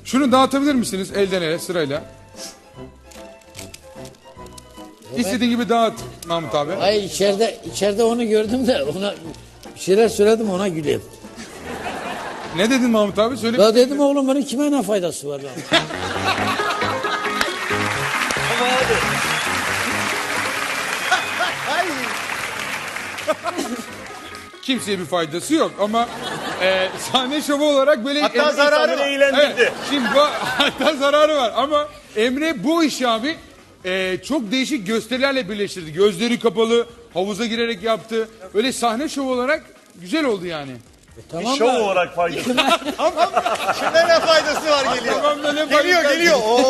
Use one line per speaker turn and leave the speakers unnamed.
Şunu dağıtabilir misiniz elden ele sırayla? İstediğin gibi dağıt Mahmut abi.
Hayır içeride onu gördüm de ona bir şeyler söyledim ona gülüyor.
Ne dedin Mahmut abi? Söyle.
Ya dedim oğlum bunun kime ne faydası var lan?
Kimseye bir faydası yok ama sahne şovu olarak böyle...
Hatta zararı var.
Evet, şimdi hatta zararı var ama Emre bu işi abi çok değişik gösterilerle birleştirdi. Gözleri kapalı, havuza girerek yaptı. Öyle sahne şovu olarak güzel oldu yani.
Şov olarak faydası. Şimdi ne faydası var geliyor.
Tamam da ne
Geliyor
faydası-
geliyor. Oo.